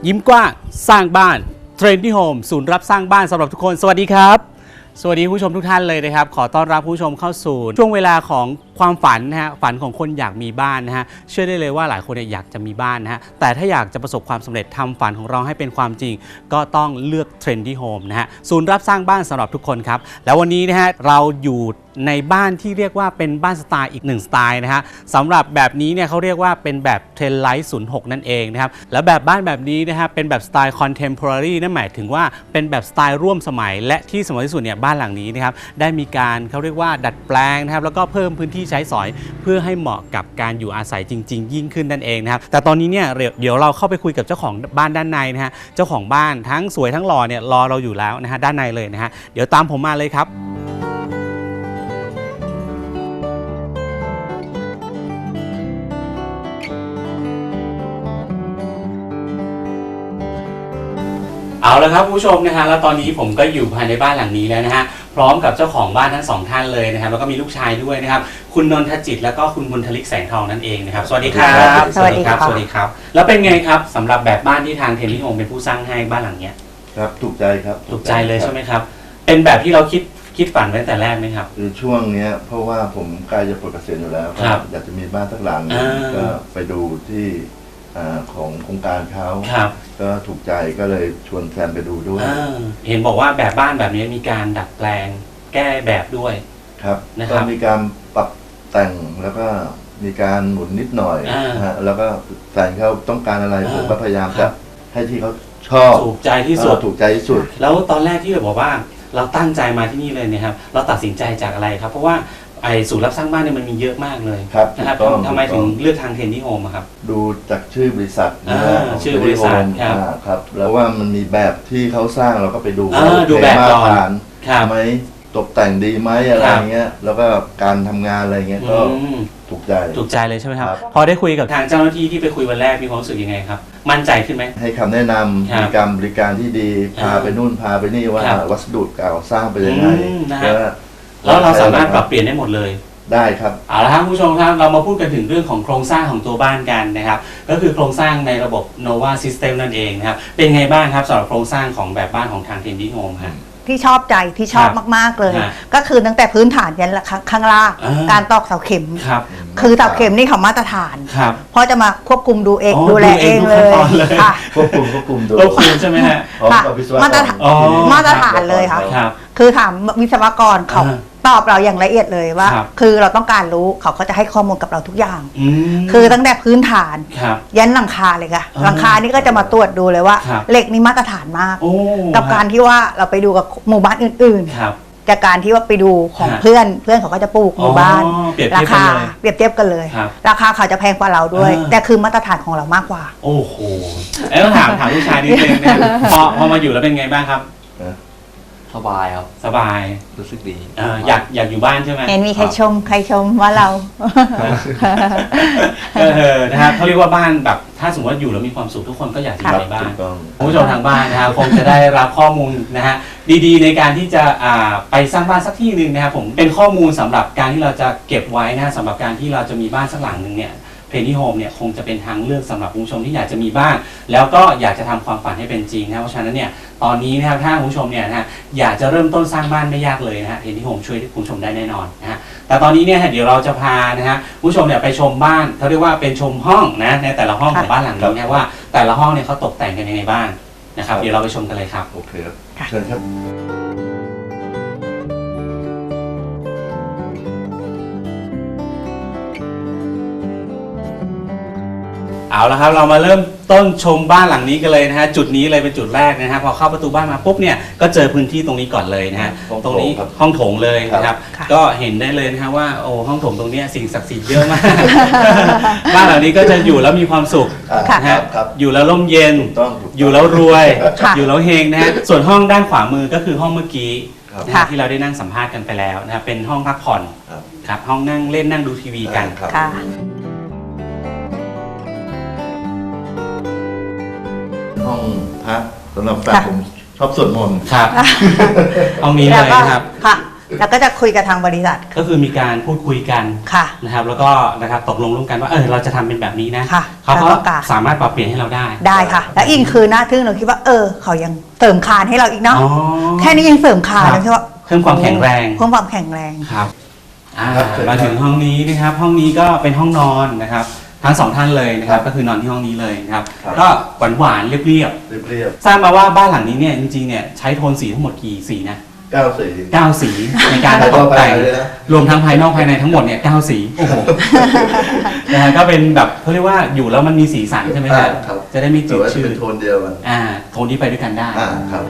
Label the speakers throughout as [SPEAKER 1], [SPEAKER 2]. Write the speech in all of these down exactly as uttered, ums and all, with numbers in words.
[SPEAKER 1] ยิ้มกว้างสร้างบ้าน Trendy Home ศูนย์รับสร้างบ้านสำหรับทุกคนสวัสดีครับสวัสดีผู้ชมทุกท่านเลยนะครับขอต้อนรับผู้ชมเข้าสู่ช่วงเวลาของความฝันนะฮะฝันของคนอยากมีบ้านนะฮะเชื่อได้เลยว่าหลายคนเนี่ยอยากจะมีบ้านนะฮะแต่ถ้าอยากจะประสบความสำเร็จทำฝันของเราให้เป็นความจริงก็ต้องเลือก Trendy Home นะฮะศูนย์รับสร้างบ้านสำหรับทุกคนครับแล้ววันนี้นะฮะเราอยู่ในบ้านที่เรียกว่าเป็นบ้านสไตล์อีกหนึ่งสไตล์นะฮะสำหรับแบบนี้เนี่ยเขาเรียกว่าเป็นแบบเทรนไลท์ศูนย์หกนั่นเองนะครับแล้วแบบบ้านแบบนี้นะฮะเป็นแบบสไตล์ Contemporary นั่นหมายถึงว่าเป็นแบบสไตล์ร่วมสมัยและที่สำคัญที่สุดเนี่ยบ้านหลังนี้นะครับได้มีการเขาเรียกว่าดัดแปลงนะครับแล้วก็เพิ่มพื้นที่ใช้สอยเพื่อให้เหมาะกับการอยู่อาศัยจริงๆยิ่งขึ้นนั่นเองนะครับแต่ตอนนี้เนี่ยเดี๋ยวเราเข้าไปคุยกับเจ้าของบ้านด้านในนะฮะเจ้าของบ้านทั้งสวยทั้งหล่อเนี่ยรอเราอยู่แล้วนะฮะด้านในเลยนะฮะเดี๋ยวตามผมมาเลยครับเอาละครับผู้ชมนะฮะแล้วตอนนี้ผมก็อยู่ภายในบ้านหลังนี้แล้วนะฮะพร้อมกับเจ้าของบ้านทั้งสองท่านเลยนะครับแล้วก็มีลูกชายด้วยนะครับคุณนนทจิตแล้วก็คุณมนทลิกแสงทองนั่นเองนะครับสวัสดีครับ
[SPEAKER 2] สวัสดีครับ
[SPEAKER 1] สวัสดีครับแล้วเป็นไงครับสำหรับแบบบ้านที่ทางเทนนิโฮมเป็นผู้สร้างให้บ้านหลังเนี้ย
[SPEAKER 3] ครับถูกใจครับ
[SPEAKER 1] ถูกใจเลยใช่ไหมครับเป็นแบบที่เราคิดคิดฝันไว้แต่แรกไหมครับ
[SPEAKER 3] คือช่วงนี้เพราะว่าผมใกล้จะปลดเกษียณอยู่แล้วครับอยากจะมีบ้านสักหลังก็ไปดูที่ของโครงการเขาก็ถูกใจก็เลยชวนแฟนไปดูด้วย
[SPEAKER 1] เห็นบอกว่าแบบบ้านแบบนี้มีการดัดแปลงแก้แบบด้วย
[SPEAKER 3] ครับก็มีการปรับแต่งแล้วก็มีการหมุนนิดหน่อยฮะแล้วก็แฟนเขาต้องการอะไรผมก็พยายามจะให้ที่เขาชอบ
[SPEAKER 1] ถูกใจที่สุด
[SPEAKER 3] ถูกใจที่สุด
[SPEAKER 1] แล้วตอนแรกที่เราบอกว่าเราตั้งใจมาที่นี่เลยนะครับเราตัดสินใจจากอะไรครับเพราะว่าไอ้ศูนย์รับสร้างบ้านเนี่ยมันมีเยอะมากเลยนะครับทำไมถึงเลือกทางเทนนิโฮมครับ
[SPEAKER 3] ดูจากชื่อบริษัท
[SPEAKER 1] ชื่อบริษัท
[SPEAKER 3] ครับแล้วว่ามันมีแบบที่เขาสร้างเราก็ไปดู
[SPEAKER 1] ดูแบบก่อน
[SPEAKER 3] ไหมตกแต่งดีไหมอะไรเงี้ยแล้วก็การทำงานอะไรเงี้ยก็ถูกใจ
[SPEAKER 1] ถูกใจเลยใช่ไหมครับพอได้คุยกับทางเจ้าหน้าที่ที่ไปคุยวันแรกมีความรู้สึกยังไงครับมั่นใจขึ้นไหม
[SPEAKER 3] ให้คำแนะนำมีการบริการที่ดีพาไปนู่นพาไปนี่ว่าวัสดุก่าสร้างไปยังไง
[SPEAKER 1] แล้วเราสามารถปรับเปลี่ยนได้หมดเลย
[SPEAKER 3] ได้ครับ
[SPEAKER 1] เอาละครับผู้ชมครับเรามาพูดกันถึงเรื่องของโครงสร้างของตัวบ้านกันนะครับก็คือโครงสร้างในระบบ Nova System นั่นเองนะครับเป็นไงบ้างครับสำหรับโครงสร้างของแบบบ้านของทาง Trendy Home ครับ
[SPEAKER 2] ที่ชอบใจที่ชอบมากๆเลยก็คือตั้งแต่พื้นฐานยันข้างล่างการตอกเสาเข็มคือเสาเข็มนี่เขามาตรฐานเพราะจะมาควบคุมดูเองดูแลเองเลย
[SPEAKER 3] ค่ะควบคุมควบคุมดู
[SPEAKER 1] ควบคุมใช่ไหมฮะ
[SPEAKER 2] มาตรฐานมาตรฐานเลยค่ะคือถามวิศวกรเขาตอบเราอย่างละเอียดเลยว่าคือเราต้องการรู้เขาก็จะให้ข้อมูลกับเราทุกอย่างคือตั้งแต่พื้นฐานยันหลังคาเลยค่ะหลังคานี่ก็จะมาตรวจดูเลยว่าเหล็กนี่มาตรฐานมากกับการที่ว่าเราไปดูกับหมู่บ้านอื่นๆจากการที่ว่าไปดูของเพื่อนเพื่อนเขาก็จะปลูกหมู่บ้านราคาเปรียบเทียบกันเลยราคาเขาจะแพงกว่าเราด้วยแต่คือมาตรฐานของเรามากกว่า
[SPEAKER 1] โอ้โหแล้วถามถามลูกชายนิดนึงนะพอพอมาอยู่แล้วเป็นไงบ้างครับ
[SPEAKER 4] สบายครับ
[SPEAKER 1] สบาย
[SPEAKER 4] รู้สึกดี
[SPEAKER 1] อยากอยากอยู่บ้านใช่ไหม
[SPEAKER 2] เห็นมีใครชมใครชมว่าเรา
[SPEAKER 1] เออนะครับเขาเรียกว่าบ้านแบบถ้าสมมติว่าอยู่แล้วมีความสุขทุกคนก็อยากอยู่ในบ้านผู้ชมทางบ้านนะครับคงจะได้รับข้อมูลนะฮะดีๆในการที่จะไปสร้างบ้านสักที่หนึ่งนะครับผมเป็นข้อมูลสำหรับการที่เราจะเก็บไว้นะสำหรับการที่เราจะมีบ้านสักหลังหนึ่งเนี่ยเทนนิโฮมเนี่ยคงจะเป็นทางเลือกสำหรับผู้ชมที่อยากจะมีบ้านแล้วก็อยากจะทำความฝันให้เป็นจริงนะเพราะฉะนั้นเนี่ยตอนนี้นะครับถ้าผู้ชมเนี่ยนะฮะอยากจะเริ่มต้นสร้างบ้านไม่ยากเลยนะฮะเทนนิโฮมช่วยผู้ชมได้แน่นอนนะฮะแต่ตอนนี้เนี่ยเดี๋ยวเราจะพานะฮะผู้ชมเนี่ยไปชมบ้านเขาเรียกว่าเป็นชมห้องนะในแต่ละห้องของบ้านหลังนี้นะว่าแต่ละห้องเนี่ยเขาตกแต่งกันยังไงบ้างนะครับเดี๋ยวเราไปชมกันเลยครับ
[SPEAKER 3] โอเคครับเชิญครับ
[SPEAKER 1] เอาละครับเรามาเริ่มต้นชมบ้านหลังนี้กันเลยนะฮะจุดนี้เลยเป็นจุดแรกนะฮะพอเข้าประตูบ้านมาปุ๊บเนี่ยก็เจอพื้นที่ตรงนี้ก่อนเลยนะฮะตรงนี้ห้องโถงเลยนะครับก็เห็นได้เลยนะฮะว่าโอ้ห้องโถงตรงนี้สิ่งศักดิ์สิทธิ์เยอะมากบ้านหลังนี้ก็จะอยู่แล้วมีความสุขนะฮะอยู่แล้วร่มเย็นอยู่แล้วรวยอยู่แล้วเฮงนะฮะส่วนห้องด้านขวามือก็คือห้องเมื่อกี้ที่เราได้นั่งสัมภาษณ์กันไปแล้วนะครับเป็นห้องพักผ่อนครับห้องนั่งเล่นนั่งดูทีวีกัน
[SPEAKER 3] ห้องพักสำหรับแฟนผมชอบสวดมนต์
[SPEAKER 1] ครับห้องนี้เลยนะครับ
[SPEAKER 2] ค่ะแล้วก็จะคุยกับทางบริษัท
[SPEAKER 1] ก็คือมีการพูดคุยกัน
[SPEAKER 2] ค่ะ
[SPEAKER 1] นะครับแล้วก็นะครับตกลงร่วมกันว่าเออเราจะทำเป็นแบบนี้นะ
[SPEAKER 2] ค่ะ
[SPEAKER 1] เขาก็
[SPEAKER 2] เราต้องการ
[SPEAKER 1] สามารถปรับเปลี่ยนให้เราได้
[SPEAKER 2] ได้ค่ะ แล้วอิงคือหน้าทึ่งเราคิดว่าเออเขายังเสริมคานให้เราอีกเนาะ
[SPEAKER 1] อ๋อ
[SPEAKER 2] แค่นี้ยังเสริมคาน
[SPEAKER 1] ครับ
[SPEAKER 2] เลยใช่ว่า
[SPEAKER 1] เพิ่มความแข็งแรง
[SPEAKER 2] เพิ่มความแข็งแรง
[SPEAKER 1] ครับอ่า
[SPEAKER 3] ครับเชิญ
[SPEAKER 1] มาถึงห้องนี้นะครับ ห้องนี้ก็เป็นห้องนอนนะครับ ทั้งสองท่านเลยนะครับ ก็คือนอนที่ห้องนี้เลยนะครับ
[SPEAKER 3] ครับ
[SPEAKER 1] ก็หวานหวานๆเรียบ
[SPEAKER 3] เรียบ
[SPEAKER 1] ๆทราบมาว่าบ้านหลังนี้เนี่ยจริงๆเนี่ยใช้โทนสีทั้งหมดกี่สีนะ
[SPEAKER 3] ๆเก้าสี
[SPEAKER 1] เก้าสีในการ
[SPEAKER 3] ภายน
[SPEAKER 1] ต
[SPEAKER 3] อก
[SPEAKER 1] กแต่ง
[SPEAKER 3] ภายในเลยนะ
[SPEAKER 1] รวมทั้งภายนอกภายในทั้งหมดเนี่ยเก้าสีโอ้โห นะฮะก็เป็นแบบเขาเรียกว่าอยู่แล้วมันมีสีสันใช่ไหมครับ
[SPEAKER 3] ครับ
[SPEAKER 1] จะได้ไม่
[SPEAKER 3] แต่
[SPEAKER 1] จืด
[SPEAKER 3] ว่าจะ
[SPEAKER 1] ชื
[SPEAKER 3] เป็
[SPEAKER 1] ด
[SPEAKER 3] นโทนเดียวกัน
[SPEAKER 1] อ่าโทนที่ไปด้วยกันได้
[SPEAKER 3] อ่าครับ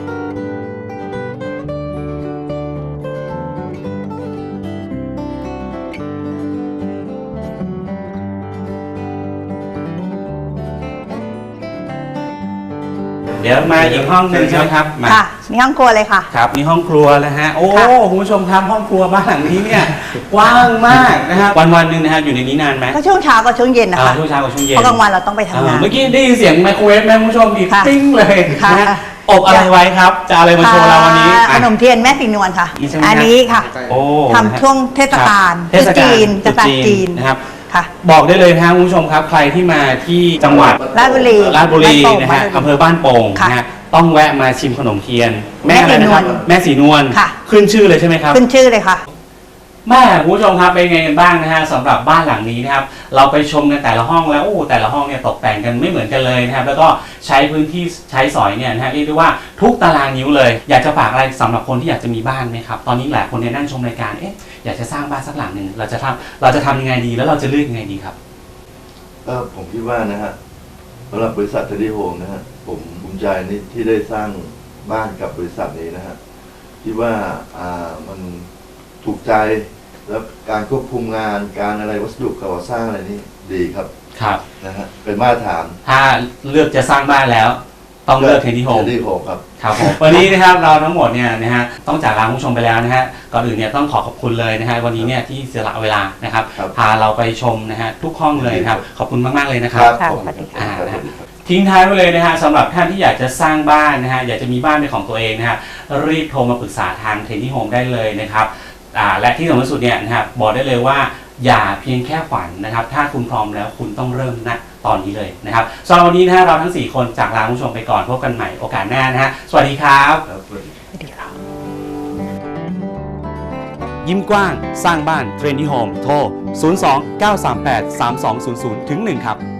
[SPEAKER 1] เดี๋ยวมาอีกห้องหนึ่งใช่ไหมครับมา
[SPEAKER 2] ค่ะนี่ห้องครัวเลยค่ะ
[SPEAKER 1] ครับนี่ห้องครัวนะฮะโอ้
[SPEAKER 2] ค่ะ
[SPEAKER 1] คุณผู้ชมครับห้องครัวบ้านหลังนี้เนี่ยกว้างมากนะครับวันวันๆหนึ่งนะครับอยู่ในนี้นานไหม
[SPEAKER 2] ก็ช่วงเช้ากับช่วงเย็นนะ
[SPEAKER 1] อ่า
[SPEAKER 2] คะ
[SPEAKER 1] ช่วงเช้ากับช่วงเย็น
[SPEAKER 2] เพราะกลางวันเราต้องไปทำงา
[SPEAKER 1] อ่าน เมื่อกี้ได้ยินเสียงไมโครเวฟไหมคุณผู้ชมอีก
[SPEAKER 2] ค่ะ
[SPEAKER 1] ติ้งเลย
[SPEAKER 2] ค่ะ
[SPEAKER 1] นะฮะอบอะไรไว้ครับจะเอาอะไรมาโชว์เราวันนี้
[SPEAKER 2] อ่า
[SPEAKER 1] อ่ะ
[SPEAKER 2] ขนมเทียนแม่สีนวลค่ะ
[SPEAKER 1] นี่ใช่ไหม
[SPEAKER 2] อันนี้ค่ะ
[SPEAKER 1] โอ้
[SPEAKER 2] ทำช่วงเทศกาล
[SPEAKER 1] เทศกาล
[SPEAKER 2] จีน
[SPEAKER 1] ตรุษ
[SPEAKER 2] เทศกาลจีน
[SPEAKER 1] นะครับ
[SPEAKER 2] ค่ะ
[SPEAKER 1] บอกได้เลยนะครับคุณผู้ชมครับใครที่มาที่จังหวัด
[SPEAKER 2] ราชบุรี
[SPEAKER 1] ราชบุรี
[SPEAKER 2] บ้านโป่ง
[SPEAKER 1] นะฮะ
[SPEAKER 2] บ้านโป่ง
[SPEAKER 1] อำเภอบ้านโป่ง
[SPEAKER 2] ค่ะ
[SPEAKER 1] นะฮะต้องแวะมาชิมขนมเทียน
[SPEAKER 2] แม่
[SPEAKER 1] อะไรนะครับ
[SPEAKER 2] สีนวล
[SPEAKER 1] แม่สีนวล
[SPEAKER 2] ค่ะ
[SPEAKER 1] ขึ้นชื่อเลยใช่ไหมครับ
[SPEAKER 2] ขึ้นชื่อเลยค่ะ
[SPEAKER 1] แม่คุณผู้ชมครับเป็นไงกันบ้างนะฮะสำหรับบ้านหลังนี้นะครับเราไปชมกันแต่ละห้องแล้วโอ้แต่ละห้องเนี่ยตกแต่งกันไม่เหมือนกันเลยนะครับแล้วก็ใช้พื้นที่ใช้สอยเนี่ยนะฮะเรียกได้ว่าทุกตารางนิ้วเลย อยากจะฝากอะไรสำหรับคนที่อยากจะมีบ้านไหมครับตอนนี้หลายคนเนี่ยนั่งชมรายการเอ๊ะอยากจะสร้างบ้านสักหลังหนึ่งเราจะทำเราจะทำยังไงดีแล้วเราจะเลือกยังไงดีครับ
[SPEAKER 3] ก็ผมคิดว่านะฮะสำหรับบริษัทเทดดี้โฮมนะฮะผมภูมิใจนี่ที่ได้สร้างบ้านกับบริษัทนี้นะฮะคิดว่าอ่ามันถูกใจแล้วการควบคุมงานการอะไรวัสดุก่อสร้างอะไรนี่ดีครับ
[SPEAKER 1] ครับ
[SPEAKER 3] นะฮะเป็นมาตรฐาน
[SPEAKER 1] ถ้าเลือกจะสร้างบ้านแล้ว ต้องเลือกเทนที่โฮม
[SPEAKER 3] เทดดี้โฮมครับ
[SPEAKER 1] ครับผม วันนี้นะครับเราทั้งหมดเนี่ยนะฮะต้องจากลาคุณผู้ชมไปแล้วนะฮะก่อนอื่นเนี่ยต้องขอขอบคุณเลยนะฮะวันนี้เนี่ยที่เสียสละเวลานะครับ
[SPEAKER 3] ครับ
[SPEAKER 1] พาเราไปชมนะฮะทุกห้องเลยนะครับขอบคุณมากๆเลยนะครับ
[SPEAKER 2] ค่ะ
[SPEAKER 3] ผม
[SPEAKER 2] สวัสดีค่ะ
[SPEAKER 1] อ่า
[SPEAKER 3] สวัสดีครับ
[SPEAKER 1] ทิ้งท้ายไว้เลยนะฮะสำหรับท่านที่อยากจะสร้างบ้านนะฮะอยากจะมีบ้านเป็นของตัวเองนะฮะรีบโทรมาปรึกษาทางเทนที่โฮมได้เลยนะครับอ่าและที่สำคัญที่สุดเนี่ยนะครับบอกได้เลยว่าอย่าเพียงแค่ฝันนะครับถ้าคุณพร้อมแล้วคุณต้องเริ่มณตอนนี้เลยนะครับสำหรับวันนี้นะฮะเราทั้งสี่คนจากลาคุณผู้ชมไปก่อนพบกันใหม่โอกาสหน้านะฮะสวัสดีครับ
[SPEAKER 3] ครับสวัสดี
[SPEAKER 2] สวัสดีค่ะ
[SPEAKER 1] ยิ้มกว้างสร้างบ้านเทรนดี้โฮมโทร ศูนย์ สอง เก้า สาม แปด สาม สอง ศูนย์ ศูนย์ ถึง หนึ่ง ครับ